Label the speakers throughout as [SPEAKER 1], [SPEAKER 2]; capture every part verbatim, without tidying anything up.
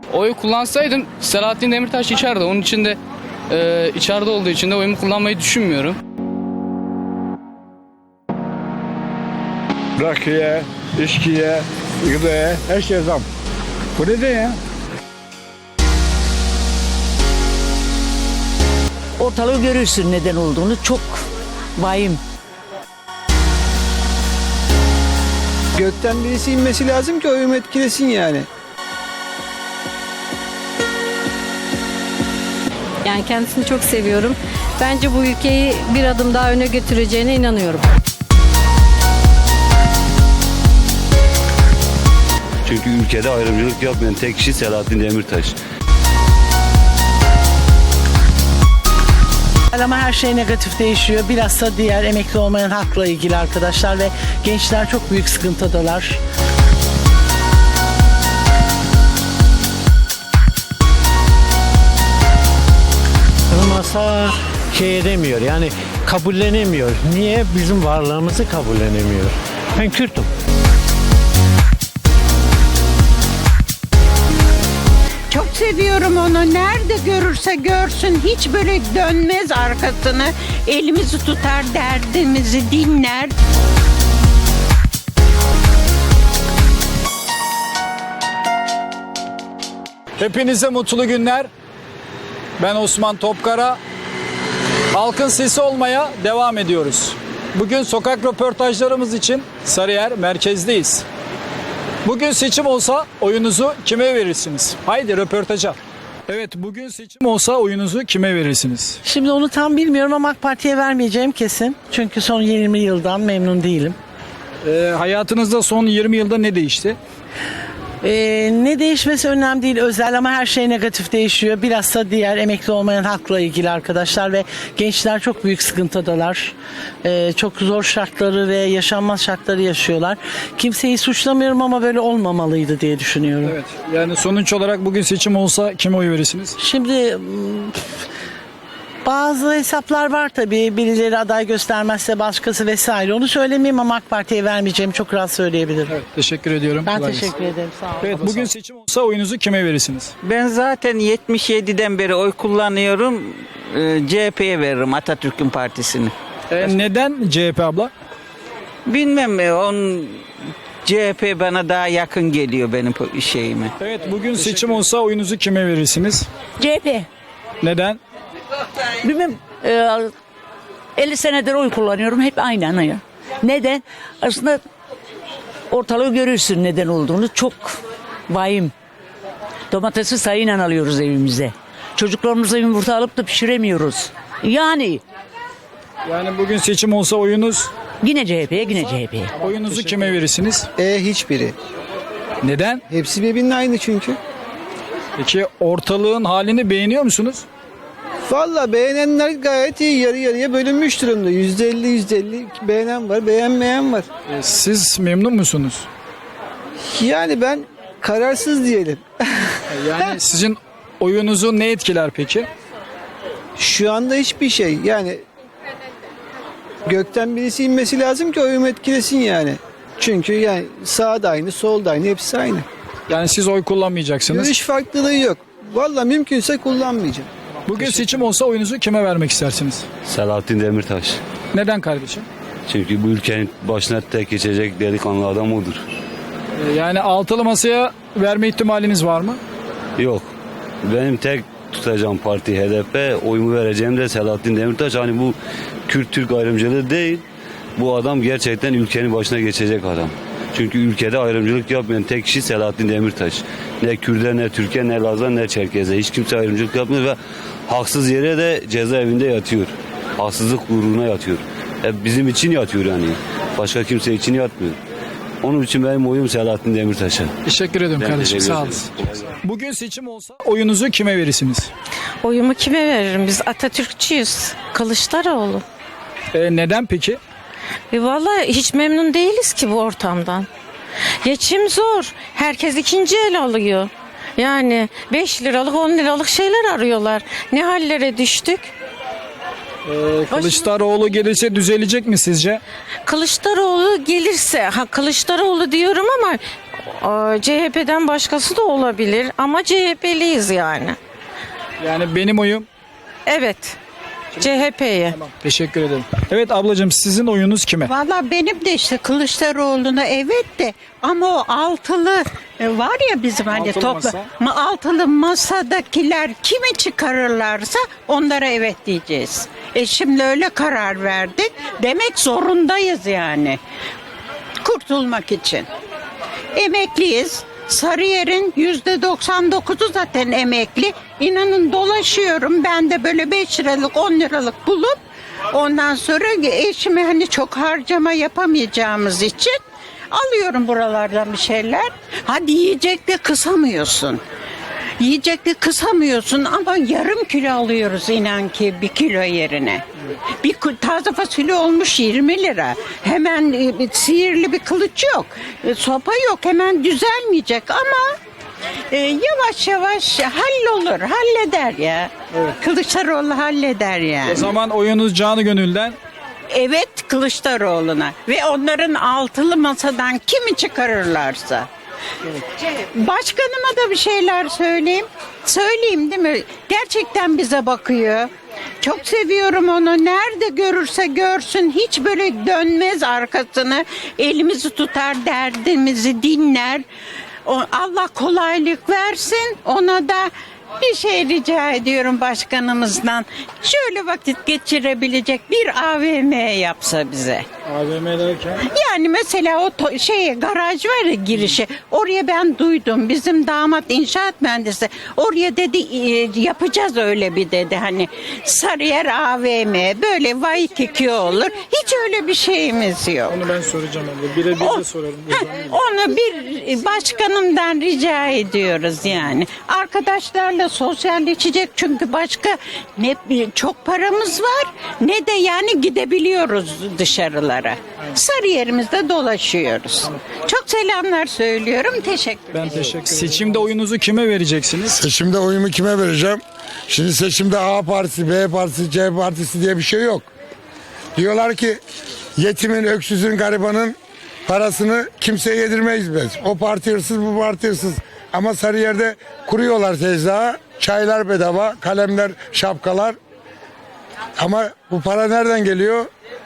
[SPEAKER 1] Oy kullansaydım Selahattin Demirtaş içeride. Onun için de e, içeride olduğu için de oyumu kullanmayı düşünmüyorum.
[SPEAKER 2] Rakıya, içkiye, gıdaya, her şeye zam. Bu neden ya?
[SPEAKER 3] Ortalığı görürsün neden olduğunu, çok vahim.
[SPEAKER 4] Gökten birisi inmesi lazım ki oyumu etkilesin yani.
[SPEAKER 5] Yani kendisini çok seviyorum. Bence bu ülkeyi bir adım daha öne götüreceğine inanıyorum.
[SPEAKER 6] Çünkü ülkede ayrımcılık yapmayan tek kişi Selahattin Demirtaş.
[SPEAKER 7] Ama her şey negatif değişiyor. Bilhassa diğer emekli olmayan hakla ilgili arkadaşlar ve gençler çok büyük sıkıntıdalar.
[SPEAKER 8] Masa şey edemiyor, yani kabullenemiyor. Niye? Bizim varlığımızı kabullenemiyor. Ben Kürt'üm.
[SPEAKER 9] Çok seviyorum onu. Nerede görürse görsün hiç böyle dönmez arkasını. Elimizi tutar, derdimizi dinler.
[SPEAKER 2] Hepinize mutlu günler. Ben Osman Topkara. Halkın sesi olmaya devam ediyoruz. Bugün sokak röportajlarımız için Sarıyer merkezdeyiz. Bugün seçim olsa oyunuzu kime verirsiniz? Haydi röportaja. Evet, bugün seçim olsa oyunuzu kime verirsiniz?
[SPEAKER 7] Şimdi onu tam bilmiyorum ama AK Parti'ye vermeyeceğim kesin. Çünkü son yirmi yıldan memnun değilim.
[SPEAKER 2] Ee, hayatınızda son yirmi yılda ne değişti?
[SPEAKER 7] Ee, ne değişmesi önemli değil, özel, ama her şey negatif değişiyor. Bilhassa diğer emekli olmayan hakla ilgili arkadaşlar ve gençler çok büyük sıkıntıdalar. Ee, çok zor şartları ve yaşanmaz şartları yaşıyorlar. Kimseyi suçlamıyorum ama böyle olmamalıydı diye düşünüyorum.
[SPEAKER 2] Evet. Yani sonuç olarak bugün seçim olsa kime oy verirsiniz?
[SPEAKER 7] Şimdi bazı hesaplar var tabii. Birileri aday göstermezse başkası vesaire. Onu söylemeyeyim ama AK Parti'ye vermeyeceğimi çok rahat söyleyebilirim.
[SPEAKER 2] Evet, teşekkür ediyorum.
[SPEAKER 7] Ben
[SPEAKER 2] Kolay
[SPEAKER 7] teşekkür
[SPEAKER 2] gelsin.
[SPEAKER 7] ederim. Sağ olun.
[SPEAKER 2] Evet, bugün seçim olsa oyunuzu kime verirsiniz?
[SPEAKER 10] Ben zaten yetmiş yediden beri oy kullanıyorum. Ee, C H P'ye veririm, Atatürk'ün partisini.
[SPEAKER 2] Ee, neden C H P abla?
[SPEAKER 10] Bilmem e, on C H P bana daha yakın geliyor benim şeyime.
[SPEAKER 2] Evet, bugün seçim olsa oyunuzu kime verirsiniz?
[SPEAKER 3] C H P.
[SPEAKER 2] Neden?
[SPEAKER 3] Bilmem, e, elli senedir oy kullanıyorum, hep aynı anaya. Neden? Aslında ortalığı görürsün neden olduğunu, çok vahim. Domatesi sayıyla alıyoruz evimize. Çocuklarımıza yumurta alıp da pişiremiyoruz. Yani
[SPEAKER 2] Yani bugün seçim olsa oyunuz,
[SPEAKER 3] yine C H P'ye, yine C H P'ye.
[SPEAKER 2] oyunuzu kime verirsiniz?
[SPEAKER 4] E hiçbiri.
[SPEAKER 2] Neden?
[SPEAKER 4] Hepsi birbirinin aynı çünkü.
[SPEAKER 2] Peki ortalığın halini beğeniyor musunuz?
[SPEAKER 4] Valla beğenenler gayet iyi, yarı yarıya bölünmüş durumda. yüzde elli yüzde elli beğenen var, beğenmeyen var.
[SPEAKER 2] Ee, siz memnun musunuz?
[SPEAKER 4] Yani ben kararsız diyelim.
[SPEAKER 2] Yani sizin oyunuzu ne etkiler peki?
[SPEAKER 4] Şu anda hiçbir şey. Yani gökten birisi inmesi lazım ki oyumu etkilesin yani. Çünkü yani sağ da aynı, sol da aynı, hepsi aynı.
[SPEAKER 2] Yani siz oy kullanmayacaksınız.
[SPEAKER 4] Görüş farklılığı yok. Valla mümkünse kullanmayacağım.
[SPEAKER 2] Bugün seçim olsa oyunuzu kime vermek istersiniz?
[SPEAKER 6] Selahattin Demirtaş.
[SPEAKER 2] Neden kardeşim?
[SPEAKER 6] Çünkü bu ülkenin başına tek geçecek delikanlı adam odur.
[SPEAKER 2] Ee, yani altılı masaya verme ihtimaliniz var mı?
[SPEAKER 6] Yok. Benim tek tutacağım parti H D P, oyumu vereceğim de Selahattin Demirtaş. Hani bu Kürt-Türk ayrımcılığı değil. Bu adam gerçekten ülkenin başına geçecek adam. Çünkü ülkede ayrımcılık yapmayan tek kişi Selahattin Demirtaş. Ne Kürt'e, ne Türk'e, ne Laz'a, ne Çerkez'e. Hiç kimse ayrımcılık yapmıyor ve haksız yere de cezaevinde yatıyor. Haksızlık uğruna yatıyor. E bizim için yatıyor yani. Başka kimse için yatmıyor. Onun için benim oyum Selahattin Demirtaş'a.
[SPEAKER 2] Teşekkür ederim
[SPEAKER 6] Ben
[SPEAKER 2] kardeşim,
[SPEAKER 6] teşekkür
[SPEAKER 2] sağ
[SPEAKER 6] ederim.
[SPEAKER 2] olasın. Bugün seçim olsa oyunuzu kime verirsiniz?
[SPEAKER 5] Oyumu kime veririm? Biz Atatürkçüyüz. Kılıçdaroğlu.
[SPEAKER 2] Ee, neden peki?
[SPEAKER 5] E vallahi hiç memnun değiliz ki bu ortamdan. Geçim zor. Herkes ikinci el alıyor. Yani beş liralık on liralık şeyler arıyorlar. Ne hallere düştük?
[SPEAKER 2] Ee, Kılıçdaroğlu gelirse düzelecek mi sizce?
[SPEAKER 5] Kılıçdaroğlu gelirse, ha Kılıçdaroğlu diyorum ama Ee, C H P'den başkası da olabilir ama C H P'liyiz yani.
[SPEAKER 2] Yani benim oyum.
[SPEAKER 5] Evet. C H P'ye.
[SPEAKER 2] Teşekkür ederim. Evet ablacığım, sizin oyunuz kime?
[SPEAKER 9] Valla benim de işte Kılıçdaroğlu'na evet de ama o altılı e, var ya bizim hani
[SPEAKER 2] Altılı
[SPEAKER 9] topla
[SPEAKER 2] masa.
[SPEAKER 9] ma- altılı masadakiler kimi çıkarırlarsa onlara evet diyeceğiz. E şimdi öyle karar verdik. Demek zorundayız yani. Kurtulmak için. Emekliyiz. Sarıyer'in yüzde doksan dokuzu zaten emekli. İnanın dolaşıyorum. Ben de böyle beş liralık on liralık bulup ondan sonra eşime hani çok harcama yapamayacağımız için alıyorum buralardan bir şeyler. Hadi yiyecek de kısamıyorsun. Yiyecek de kısamıyorsun ama yarım kilo alıyoruz inan ki bir kilo yerine. Bir ku- taze fasulye olmuş yirmi lira. Hemen e, bir sihirli bir kılıç yok. E, sopa yok, hemen düzelmeyecek ama e, yavaş yavaş hallolur, halleder ya. Kılıçdaroğlu halleder yani.
[SPEAKER 2] O zaman oyunuz canı gönülden.
[SPEAKER 9] Evet, Kılıçdaroğlu'na ve onların altılı masadan kimi çıkarırlarsa. Başkanıma da bir şeyler söyleyeyim. Söyleyeyim değil mi? Gerçekten bize bakıyor. Çok seviyorum onu. Nerede görürse görsün hiç böyle dönmez arkasını. Elimizi tutar, derdimizi dinler. O- Allah kolaylık versin. Ona da bir şey rica ediyorum başkanımızdan. Şöyle vakit geçirebilecek bir A V M yapsa bize.
[SPEAKER 2] A V M derken?
[SPEAKER 9] Yani mesela o to- şey garaj var ya girişi. Oraya ben duydum. Bizim damat inşaat mühendisi. Oraya dedi e, yapacağız öyle bir dedi. Hani Sarıyer A V M böyle Waikiki olur. Hiç öyle bir şeyimiz yok.
[SPEAKER 2] Onu ben soracağım abla. Birebir
[SPEAKER 9] O-
[SPEAKER 2] de sorarım.
[SPEAKER 9] Heh, onu bir başkanımdan rica ediyoruz yani. Arkadaşlarla sosyalleşecek çünkü başka ne bir- çok paramız var ne de yani gidebiliyoruz dışarılara. Sarıyer'imizde dolaşıyoruz. Çok selamlar söylüyorum. Teşekkür ederim.
[SPEAKER 2] Ben teşekkür ederim. Seçimde oyunuzu kime vereceksiniz?
[SPEAKER 11] Seçimde oyumu kime vereceğim? Şimdi seçimde A partisi, B partisi, C partisi diye bir şey yok. Diyorlar ki yetimin, öksüzün, garibanın parasını kimseye yedirmeyiz biz. O parti hırsız, bu parti hırsız. Ama Sarıyer'de kuruyorlar tezgahı. Çaylar bedava, kalemler, şapkalar. Ama bu para nereden geliyor?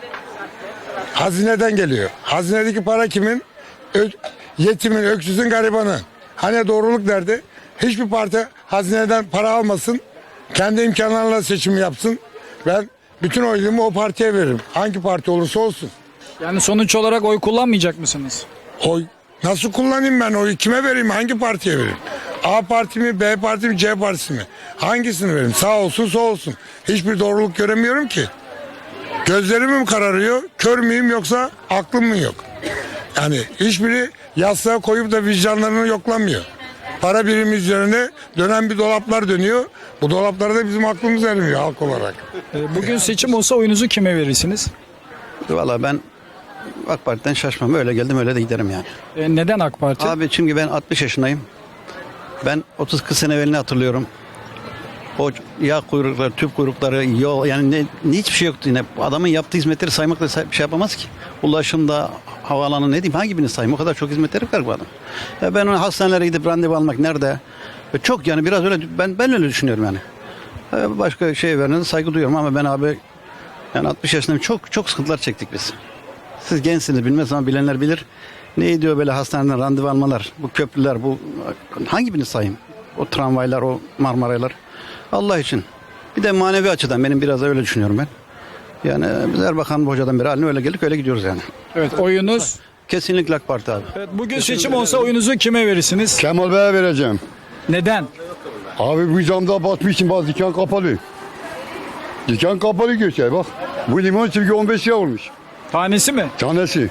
[SPEAKER 11] Hazineden geliyor. Hazinedeki para kimin? Ö- yetimin, öksüzün, garibanın. Hani doğruluk nerede? Hiçbir parti hazineden para almasın. Kendi imkanlarıyla seçim yapsın. Ben bütün oyumu o partiye veririm. Hangi parti olursa olsun.
[SPEAKER 2] Yani sonuç olarak oy kullanmayacak mısınız?
[SPEAKER 11] Oy nasıl kullanayım ben oyu? Kime vereyim? Hangi partiye vereyim? A parti mi, B parti mi, C partisi mi? Hangisini vereyim? Sağ olsun, sol olsun. Hiçbir doğruluk göremiyorum ki. Gözlerim mi kararıyor? Kör müyüm yoksa aklım mı yok? Yani hiçbiri yastığa koyup da vicdanlarını yoklamıyor. Para birimi üzerine dönen bir dolaplar dönüyor. Bu dolaplarda bizim aklımız ermiyor halk olarak.
[SPEAKER 2] Ee, Bugün seçim olsa oyunuzu kime verirsiniz?
[SPEAKER 12] Valla ben AK Parti'den şaşmam. Öyle geldim öyle de giderim yani.
[SPEAKER 2] Ee, Neden AK Parti?
[SPEAKER 12] Abi çünkü ben altmış yaşındayım. Ben otuz kırk sene evvelini hatırlıyorum. O yağ kuyrukları, tüp kuyrukları, yol yani ne, ne hiçbir şey yoktu yine. Adamın yaptığı hizmetleri saymakla say- bir şey yapamaz ki. Ulaşımda, havaalanı ne diyeyim hangi birini sayayım? O kadar çok hizmetleri var bu adam. Ya ben onu hastanelere gidip randevu almak nerede? E çok yani biraz öyle ben ben öyle düşünüyorum yani. E başka şey verene saygı duyuyorum ama ben abi yani altmış yaşındayım çok çok sıkıntılar çektik biz. Siz gençsiniz bilmez ama bilenler bilir. Ne diyor böyle hastaneden randevu almalar, bu köprüler, bu hangi birini sayayım? O tramvaylar, o Marmaraylar. Allah için. Bir de manevi açıdan benim biraz da öyle düşünüyorum ben. Yani biz Erbakan Hoca'dan beri haline öyle geldik öyle gidiyoruz yani.
[SPEAKER 2] Evet, oyunuz.
[SPEAKER 12] Kesinlikle AK Parti abi.
[SPEAKER 2] Evet, bugün seçim olsa oyunuzu kime verirsiniz?
[SPEAKER 11] Kemal Bey'e vereceğim.
[SPEAKER 2] Neden?
[SPEAKER 11] Abi bu camda batmışım bazı dükkan kapalı. Dükkan kapalı göçer bak. Bu limon çünkü on beş lira olmuş.
[SPEAKER 2] Tanesi mi?
[SPEAKER 11] Tanesi.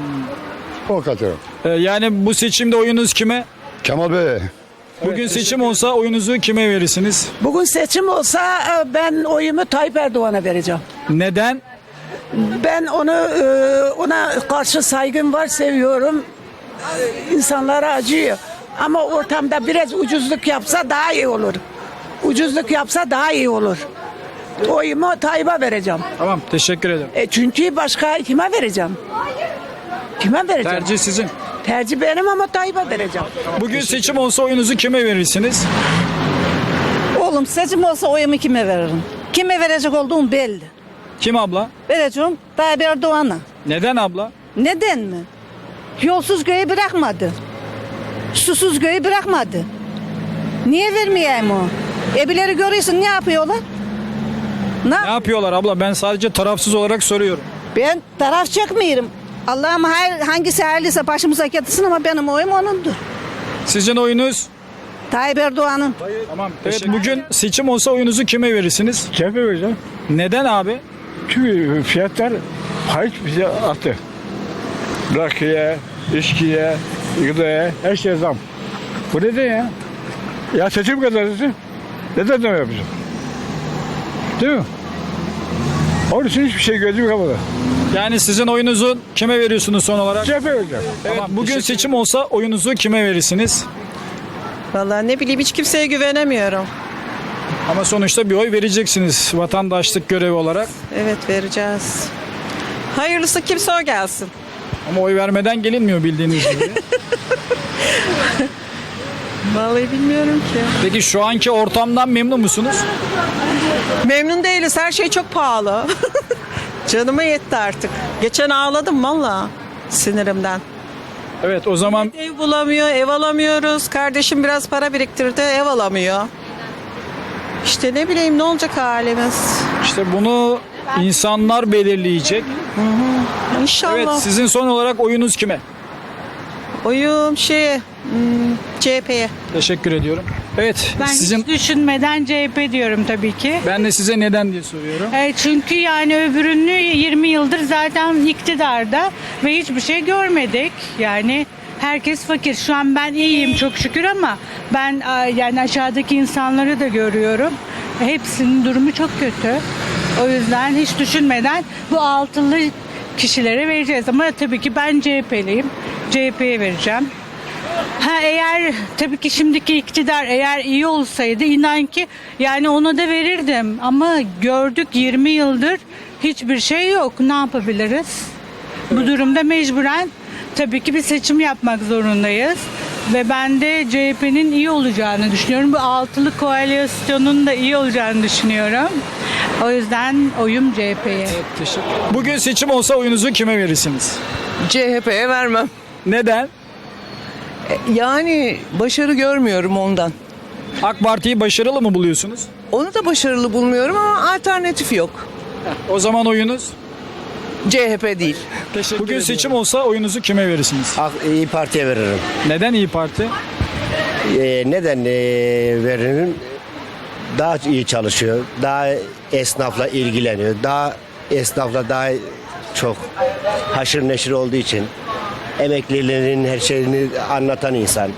[SPEAKER 11] O kadar.
[SPEAKER 2] Ee, yani bu seçimde oyunuz kime?
[SPEAKER 11] Kemal Bey.
[SPEAKER 2] Bugün seçim olsa oyunuzu kime verirsiniz?
[SPEAKER 7] Bugün seçim olsa e, ben oyumu Tayyip Erdoğan'a vereceğim.
[SPEAKER 2] Neden?
[SPEAKER 7] Ben onu e, ona karşı saygım var, seviyorum. E, İnsanlara acıyor. Ama ortamda biraz ucuzluk yapsa daha iyi olur. Ucuzluk yapsa daha iyi olur. Oyumu Tayyip'e vereceğim.
[SPEAKER 2] Tamam, teşekkür ederim.
[SPEAKER 7] E çünkü başka kime vereceğim? Kime vereceğim?
[SPEAKER 2] Tercih sizin.
[SPEAKER 9] Tercih benim ama Tayyip'e vereceğim.
[SPEAKER 2] Bugün seçim olsa oyunuzu kime verirsiniz?
[SPEAKER 3] Oğlum seçim olsa oyumu kime veririm? Kime verecek olduğum belli.
[SPEAKER 2] Kim abla?
[SPEAKER 3] Vereceğim Tayyip Erdoğan'a.
[SPEAKER 2] Neden abla?
[SPEAKER 3] Neden mi? Yolsuz köyü bırakmadı. Susuz köyü bırakmadı. Niye vermeyeyim o? Ebileri görüyorsun ne yapıyorlar? Ne?
[SPEAKER 2] Ne yapıyorlar abla? Ben sadece tarafsız olarak soruyorum.
[SPEAKER 3] Ben taraf çekmiyorum. Allah'ım hayır, hangisi hayırlıysa başımıza getirsin ama benim oyum onundur.
[SPEAKER 2] Sizin oyunuz?
[SPEAKER 3] Tayyip Erdoğan'ın.
[SPEAKER 2] Tamam. Evet, bugün seçim olsa oyunuzu kime verirsiniz?
[SPEAKER 13] C H P vereceğim.
[SPEAKER 2] Neden abi?
[SPEAKER 13] Çünkü fiyatlar hayç bize attı. Rakıya, içkiye, gıdaya, her şeye zam. Bu neden ya? Ya seçim kazanırsın. Neden zam yapıyorsun? Değil mi? Onun için hiçbir şey gözüm kapalı.
[SPEAKER 2] Yani sizin oyunuzu kime veriyorsunuz son olarak?
[SPEAKER 13] C H P vereceğim.
[SPEAKER 2] Evet, bugün seçim olsa oyunuzu kime verirsiniz?
[SPEAKER 14] Vallahi ne bileyim hiç kimseye güvenemiyorum.
[SPEAKER 2] Ama sonuçta bir oy vereceksiniz vatandaşlık görevi olarak.
[SPEAKER 14] Evet vereceğiz. Hayırlısı kimse o gelsin.
[SPEAKER 2] Ama oy vermeden gelinmiyor bildiğiniz gibi.
[SPEAKER 14] Vallahi bilmiyorum ki.
[SPEAKER 2] Peki şu anki ortamdan memnun musunuz?
[SPEAKER 14] Memnun değiliz. Her şey çok pahalı. Canıma yetti artık. Geçen ağladım valla sinirimden.
[SPEAKER 2] Evet o zaman
[SPEAKER 14] Ev bulamıyor, ev alamıyoruz. Kardeşim biraz para biriktirdi, ev alamıyor. İşte ne bileyim ne olacak halimiz.
[SPEAKER 2] işte bunu insanlar belirleyecek.
[SPEAKER 14] İnşallah.
[SPEAKER 2] Evet sizin son olarak oyunuz kime?
[SPEAKER 14] Oyum şey hmm, C H P'ye.
[SPEAKER 2] Teşekkür ediyorum. Evet
[SPEAKER 15] Ben
[SPEAKER 2] sizin
[SPEAKER 15] hiç düşünmeden C H P diyorum tabii ki.
[SPEAKER 2] ben de size neden diye soruyorum.
[SPEAKER 15] E, çünkü yani öbürünü yirmi yıldır zaten iktidarda ve hiçbir şey görmedik. Yani herkes fakir. Şu an ben iyiyim çok şükür ama ben a, yani aşağıdaki insanları da görüyorum. Hepsinin durumu çok kötü. O yüzden hiç düşünmeden bu altılı kişilere vereceğiz. Ama tabii ki ben C H P'liyim. C H P'ye vereceğim. Ha eğer tabii ki şimdiki iktidar eğer iyi olsaydı inan ki yani ona da verirdim. Ama gördük yirmi yıldır hiçbir şey yok. Ne yapabiliriz? Bu durumda mecburen tabii ki bir seçim yapmak zorundayız. Ve ben de C H P'nin iyi olacağını düşünüyorum. Bu altılı koalisyonun da iyi olacağını düşünüyorum. O yüzden oyum C H P'ye.
[SPEAKER 2] Evet, teşekkür. Bugün seçim olsa oyunuzu kime verirsiniz?
[SPEAKER 16] C H P'ye vermem.
[SPEAKER 2] Neden?
[SPEAKER 16] Yani başarı görmüyorum ondan.
[SPEAKER 2] AK Parti'yi başarılı mı buluyorsunuz?
[SPEAKER 16] Onu da başarılı bulmuyorum ama alternatif yok.
[SPEAKER 2] O zaman oyunuz?
[SPEAKER 16] C H P değil.
[SPEAKER 2] Teşekkür Bugün ediyorum. Seçim olsa oyunuzu kime verirsiniz?
[SPEAKER 17] İyi Parti'ye veririm.
[SPEAKER 2] Neden İyi Parti?
[SPEAKER 17] Ee, neden ee, veririm? Daha iyi çalışıyor. Daha esnafla ilgileniyor. Daha esnafla daha çok haşır neşir olduğu için emeklilerin her şeyini anlatan insan.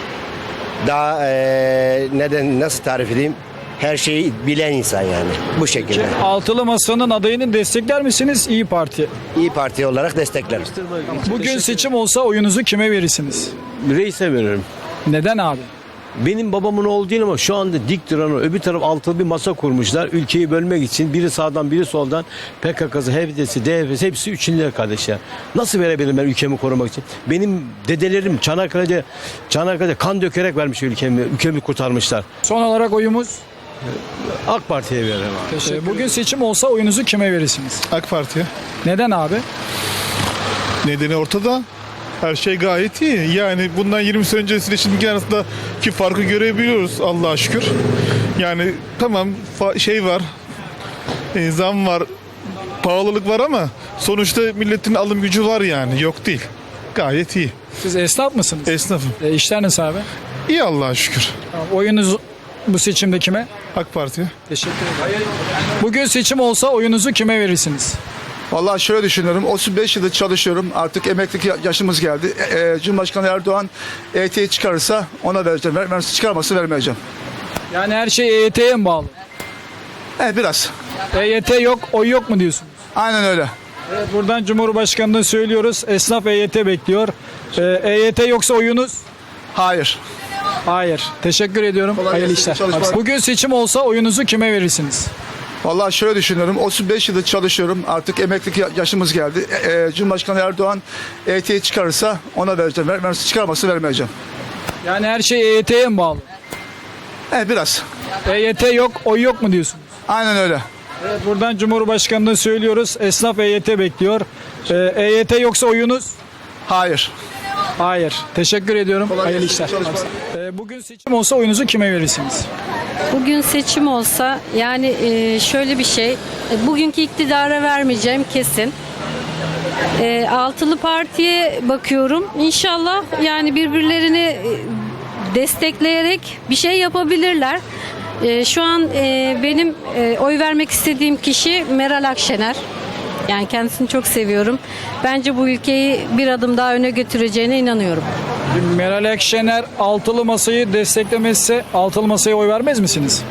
[SPEAKER 17] Daha ee, neden nasıl tarif edeyim? Her şeyi bilen insan yani. Bu şekilde.
[SPEAKER 2] Altılı Masa'nın adayını destekler misiniz İyi Parti?
[SPEAKER 17] İyi Parti olarak desteklerim.
[SPEAKER 2] Bugün seçim olsa oyunuzu kime verirsiniz?
[SPEAKER 18] Reis'e veririm.
[SPEAKER 2] Neden abi?
[SPEAKER 18] Benim babamın oğlu değil ama şu anda dik duran o. Öbür taraf altılı bir masa kurmuşlar. Ülkeyi bölmek için biri sağdan biri soldan P K K'sı, H D P'si, D H P'si hepsi üçüncüler kardeş ya. Nasıl verebilirim ben ülkemi korumak için? Benim dedelerim Çanakkale'de Çanakkale'de kan dökerek vermiş ülkemi. Ülkemi kurtarmışlar.
[SPEAKER 2] Son olarak oyumuz?
[SPEAKER 18] AK Parti'ye veririm abi.
[SPEAKER 2] Teşekkür Bugün seçim olsa oyunuzu kime verirsiniz?
[SPEAKER 19] AK Parti'ye.
[SPEAKER 2] Neden abi?
[SPEAKER 19] Nedeni ortada. Her şey gayet iyi. Yani bundan yirmi sene öncesiyle şimdiki arasındaki farkı görebiliyoruz Allah'a şükür. Yani tamam fa- şey var, e, zam var, pahalılık var ama sonuçta milletin alım gücü var yani. Yok değil. Gayet iyi.
[SPEAKER 2] Siz esnaf mısınız?
[SPEAKER 19] Esnafım.
[SPEAKER 2] E, işler nasıl abi?
[SPEAKER 19] İyi Allah'a şükür.
[SPEAKER 2] Tamam, oyunuz bu seçimde kime?
[SPEAKER 19] AK Parti'ye.
[SPEAKER 2] Teşekkür ederim. Bugün seçim olsa oyunuzu kime verirsiniz?
[SPEAKER 20] Vallahi şöyle düşünüyorum. otuz beş yıldır çalışıyorum. Artık emeklilik yaşımız geldi. E, Cumhurbaşkanı Erdoğan E Y T'yi çıkarırsa ona vereceğim. Vermezse çıkarmazsa vermeyeceğim.
[SPEAKER 2] Yani her şey E Y T'ye mi bağlı?
[SPEAKER 20] Evet biraz.
[SPEAKER 2] E Y T yok, oy yok mu diyorsunuz?
[SPEAKER 20] Aynen öyle.
[SPEAKER 2] Evet, buradan Cumhurbaşkanı'na söylüyoruz. Esnaf E Y T bekliyor. Ee, E Y T yoksa oyunuz?
[SPEAKER 20] Hayır.
[SPEAKER 2] Hayır. Teşekkür ediyorum.
[SPEAKER 20] Kolay
[SPEAKER 2] Hayırlı
[SPEAKER 20] gelsin,
[SPEAKER 2] işler.
[SPEAKER 20] çalışmalar.
[SPEAKER 2] Bugün seçim olsa oyunuzu kime verirsiniz?
[SPEAKER 20] Vallahi şöyle düşünüyorum. otuz beş yıldır çalışıyorum. Artık emeklilik yaşımız geldi. E, e, Cumhurbaşkanı Erdoğan E Y T'yi çıkarırsa ona vereceğim. Ver, vermezse çıkarmazsa vermeyeceğim.
[SPEAKER 2] Yani her şey E Y T'ye mi bağlı?
[SPEAKER 20] Evet biraz.
[SPEAKER 2] E Y T yok, oy yok mu diyorsunuz?
[SPEAKER 20] Aynen öyle.
[SPEAKER 2] Evet, buradan Cumhurbaşkanı'na söylüyoruz. Esnaf E Y T bekliyor. Ee, E Y T yoksa oyunuz?
[SPEAKER 20] Hayır.
[SPEAKER 2] Hayır. Teşekkür ediyorum. Hayırlı işler. Ee, bugün seçim olsa oyunuzu kime verirsiniz?
[SPEAKER 21] Bugün seçim olsa yani e, şöyle bir şey, e, bugünkü iktidara vermeyeceğim kesin. E, altılı partiye bakıyorum. İnşallah yani birbirlerini e, destekleyerek bir şey yapabilirler. E, şu an e, benim e, oy vermek istediğim kişi Meral Akşener. Yani kendisini çok seviyorum. Bence bu ülkeyi bir adım daha öne götüreceğine inanıyorum.
[SPEAKER 2] Meral Akşener altılı masayı desteklemezse altılı masaya oy vermez misiniz?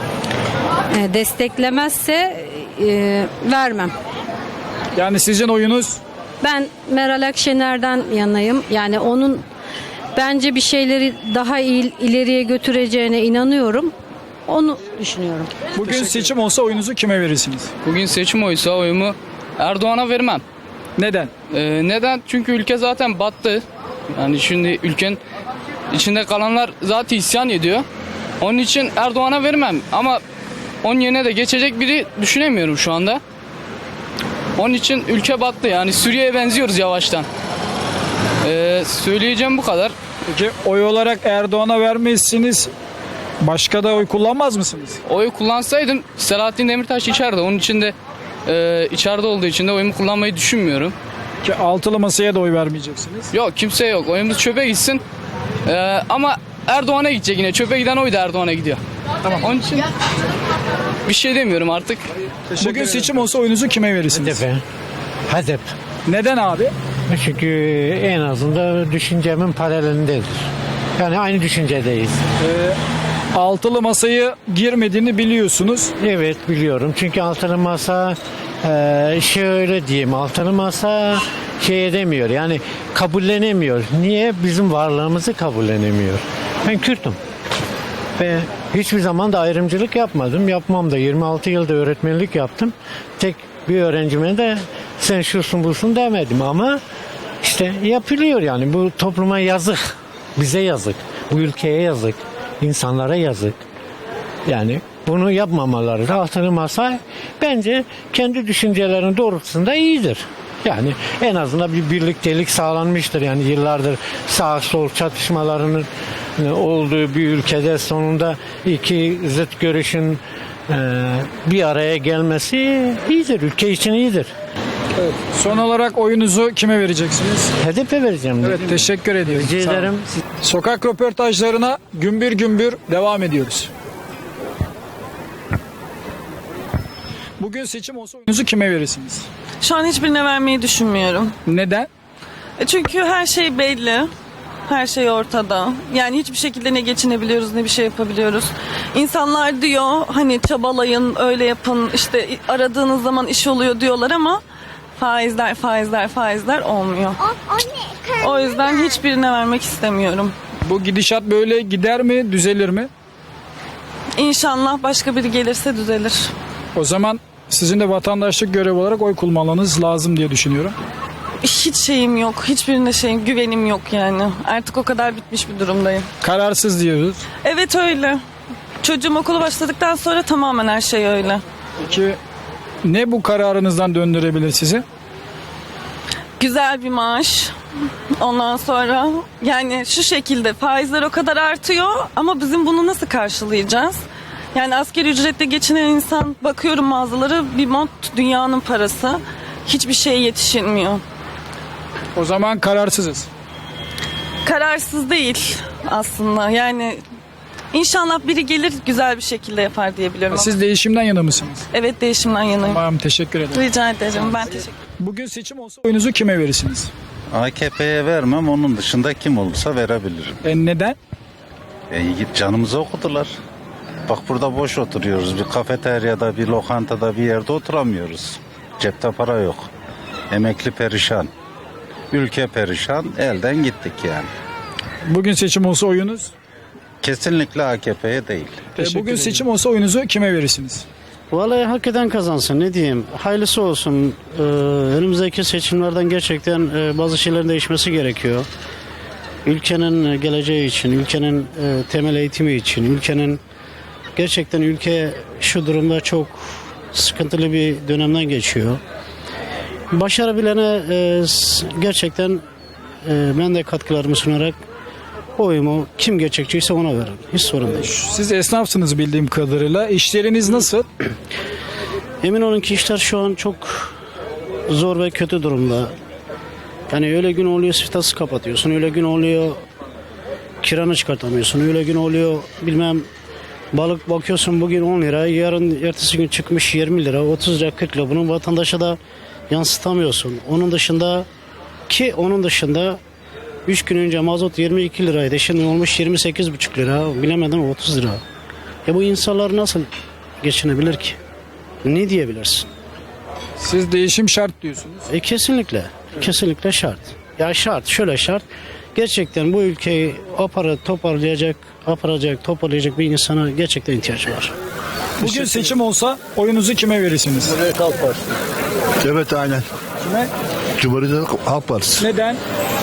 [SPEAKER 21] E, desteklemezse e, vermem.
[SPEAKER 2] Yani sizin oyunuz?
[SPEAKER 21] Ben Meral Akşener'den yanayım. Yani onun bence bir şeyleri daha iyi ileriye götüreceğine inanıyorum. Onu düşünüyorum.
[SPEAKER 2] Bugün seçim olsa oyunuzu kime verirsiniz?
[SPEAKER 1] Bugün seçim oysa oyumu Erdoğan'a vermem.
[SPEAKER 2] Neden?
[SPEAKER 1] Ee, neden? Çünkü ülke zaten battı. Yani şimdi ülkenin içinde kalanlar zaten isyan ediyor. Onun için Erdoğan'a vermem. Ama onun yerine de geçecek biri düşünemiyorum şu anda. Onun için ülke battı. Yani Suriye'ye benziyoruz yavaştan. Ee, söyleyeceğim bu kadar.
[SPEAKER 2] Peki oy olarak Erdoğan'a vermezsiniz. Başka da oy kullanmaz mısınız?
[SPEAKER 1] Oy kullansaydım Selahattin Demirtaş içeride. Onun için de e, içeride olduğu için de oyumu kullanmayı düşünmüyorum.
[SPEAKER 2] Ki altılı masaya da oy vermeyeceksiniz.
[SPEAKER 1] Yok, kimse yok. Oyumuz çöpe gitsin. Ee, ama Erdoğan'a gidecek yine. Çöpe giden oy da Erdoğan'a gidiyor.
[SPEAKER 2] Tamam.
[SPEAKER 1] Onun için bir şey demiyorum artık.
[SPEAKER 2] Bugün seçim olsa oyunuzu kime verirsiniz?
[SPEAKER 8] H D P. H D P.
[SPEAKER 2] Neden abi?
[SPEAKER 8] Çünkü en azından düşüncemin paralelindedir. Yani aynı düşüncedeyiz.
[SPEAKER 2] Ee, altılı masayı girmediğini biliyorsunuz.
[SPEAKER 8] Evet biliyorum. Çünkü altılı masa e, şöyle diyeyim, altılı masa şey edemiyor. Yani kabullenemiyor. Niye? Bizim varlığımızı kabullenemiyor. Ben Kürt'üm. Ve hiçbir zaman da ayrımcılık yapmadım. Yapmam da. yirmi altı yılda öğretmenlik yaptım. Tek bir öğrencime de sen şusun busun demedim ama işte yapılıyor yani. Bu topluma yazık. Bize yazık. Bu ülkeye yazık. İnsanlara yazık. Yani bunu yapmamaları da altılı masa bence kendi düşüncelerinin doğrultusunda iyidir. Yani en azından bir birliktelik sağlanmıştır. Yani yıllardır sağ sol çatışmalarının olduğu bir ülkede sonunda iki zıt görüşün e, bir araya gelmesi iyidir. Ülke için iyidir.
[SPEAKER 2] Evet. Son olarak oyunuzu kime vereceksiniz?
[SPEAKER 8] H D P vereceğim.
[SPEAKER 2] Evet, teşekkür ediyorum.
[SPEAKER 8] Rica ederim.
[SPEAKER 2] Sokak röportajlarına gümbür gümbür devam ediyoruz. Bugün seçim olsa oyunuzu kime verirsiniz?
[SPEAKER 22] Şu an hiçbirine vermeyi düşünmüyorum.
[SPEAKER 2] Neden?
[SPEAKER 22] E çünkü her şey belli. Her şey ortada. Yani hiçbir şekilde ne geçinebiliyoruz ne bir şey yapabiliyoruz. İnsanlar diyor hani çabalayın, öyle yapın, işte aradığınız zaman iş oluyor diyorlar ama faizler, faizler, faizler olmuyor. O yüzden hiçbirine vermek istemiyorum.
[SPEAKER 2] Bu gidişat böyle gider mi, düzelir mi?
[SPEAKER 22] İnşallah başka biri gelirse düzelir.
[SPEAKER 2] O zaman sizin de vatandaşlık görevi olarak oy kullanmanız lazım diye düşünüyorum.
[SPEAKER 22] Hiç şeyim yok. Hiçbirine şeyim, güvenim yok yani. Artık o kadar bitmiş bir durumdayım.
[SPEAKER 2] Kararsız diyoruz.
[SPEAKER 22] Evet öyle. Çocuğum okula başladıktan sonra tamamen her şey öyle.
[SPEAKER 2] Peki ne bu kararınızdan döndürebilir sizi?
[SPEAKER 22] Güzel bir maaş. Ondan sonra yani şu şekilde faizler o kadar artıyor ama bizim bunu nasıl karşılayacağız? Yani asgari ücretle geçinen insan, bakıyorum mağazaları, bir mont dünyanın parası. Hiçbir şeye yetişilmiyor.
[SPEAKER 2] O zaman kararsızız.
[SPEAKER 22] Kararsız değil aslında. Yani inşallah biri gelir güzel bir şekilde yapar diye biliyorum.
[SPEAKER 2] Siz değişimden yana mısınız?
[SPEAKER 22] Evet, değişimden yanayım.
[SPEAKER 2] Tamam, teşekkür ederim.
[SPEAKER 22] Rica ederim. Ben teşekkür ederim.
[SPEAKER 2] Bugün seçim olsa oyunuzu kime verirsiniz?
[SPEAKER 23] A K P'ye vermem, onun dışında kim olursa verebilirim.
[SPEAKER 2] E neden?
[SPEAKER 23] E, canımızı okudular. Bak burada boş oturuyoruz. Bir kafeteryada, bir lokantada, bir yerde oturamıyoruz. Cepte para yok. Emekli perişan. Ülke perişan. Elden gittik yani.
[SPEAKER 2] Bugün seçim olsa oyunuz?
[SPEAKER 23] Kesinlikle A K P'ye değil.
[SPEAKER 2] E, bugün seçim olsa oyunuzu kime verirsiniz?
[SPEAKER 4] Vallahi hak eden kazansın, ne diyeyim. Hayırlısı olsun. Ee, önümüzdeki seçimlerden gerçekten e, bazı şeylerin değişmesi gerekiyor. Ülkenin geleceği için, ülkenin e, temel eğitimi için, ülkenin gerçekten ülke şu durumda çok sıkıntılı bir dönemden geçiyor. Başarabilene e, s- gerçekten e, ben de katkılarımı sunarak oyumu kim gerçekçiyse ona veririm. Hiç sorun değil.
[SPEAKER 2] Siz esnafsınız bildiğim kadarıyla. İşleriniz nasıl?
[SPEAKER 4] Emin olun ki işler şu an çok zor ve kötü durumda. Yani öyle gün oluyor siftahsız kapatıyorsun, öyle gün oluyor kiranı çıkartamıyorsun, öyle gün oluyor bilmem balık bakıyorsun bugün on lira, yarın ertesi gün çıkmış yirmi lira, otuz lira, kırk lira. Bunu vatandaşa da yansıtamıyorsun. Onun dışında ki onun dışında üç gün önce mazot yirmi iki liraydı, şimdi olmuş yirmi sekiz buçuk lira, bilemedim otuz lira. Ya bu insanlar nasıl geçinebilir ki? Ne diyebilirsin?
[SPEAKER 2] Siz değişim şart diyorsunuz.
[SPEAKER 4] E kesinlikle. Kesinlikle şart. Ya şart, şöyle şart. Gerçekten bu ülkeyi apara toparlayacak, aparacak, toparlayacak bir insana gerçekten ihtiyaç var.
[SPEAKER 2] Bugün seçim olsa oyunuzu kime verirsiniz?
[SPEAKER 6] Cumhuriyet Halk Partisi. Evet aynen.
[SPEAKER 2] Kime?
[SPEAKER 6] Cumhuriyet Halk Partisi.
[SPEAKER 2] Neden?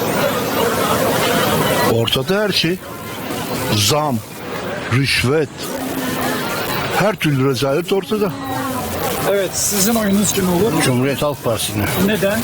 [SPEAKER 6] Ortada her şey. Zam, rüşvet, her türlü rezalet ortada.
[SPEAKER 2] Evet, sizin oyunuz kim olur?
[SPEAKER 6] Cumhuriyet Halk Partisi'ne.
[SPEAKER 2] Neden?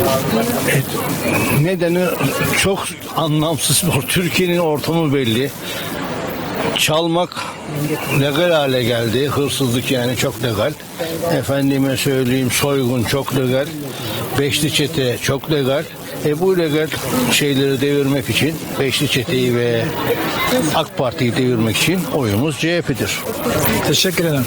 [SPEAKER 6] Nedeni çok anlamsız. Türkiye'nin ortamı belli. Çalmak legal hale geldi. Hırsızlık yani çok legal. Efendime söyleyeyim soygun çok legal. Beşli çete çok legal. E bu legal şeyleri devirmek için Beşli Çete'yi ve AK Parti'yi devirmek için oyumuz C H P'dir.
[SPEAKER 2] Teşekkür ederim.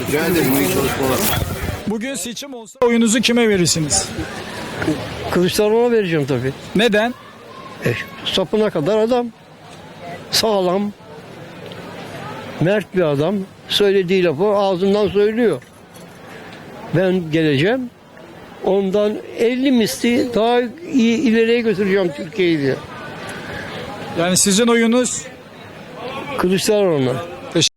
[SPEAKER 2] Bugün seçim olsa oyunuzu kime verirsiniz?
[SPEAKER 10] Kılıçdaroğlu'na vereceğim tabii.
[SPEAKER 2] Neden?
[SPEAKER 10] E, sapına kadar adam. Sağlam. Mert bir adam. Söylediği lafı ağzından söylüyor. Ben geleceğim. Ondan elli misli daha iyi ileriye götüreceğim Türkiye'yi diye.
[SPEAKER 2] Yani sizin oyunuz?
[SPEAKER 10] Kılıçdaroğlu'na.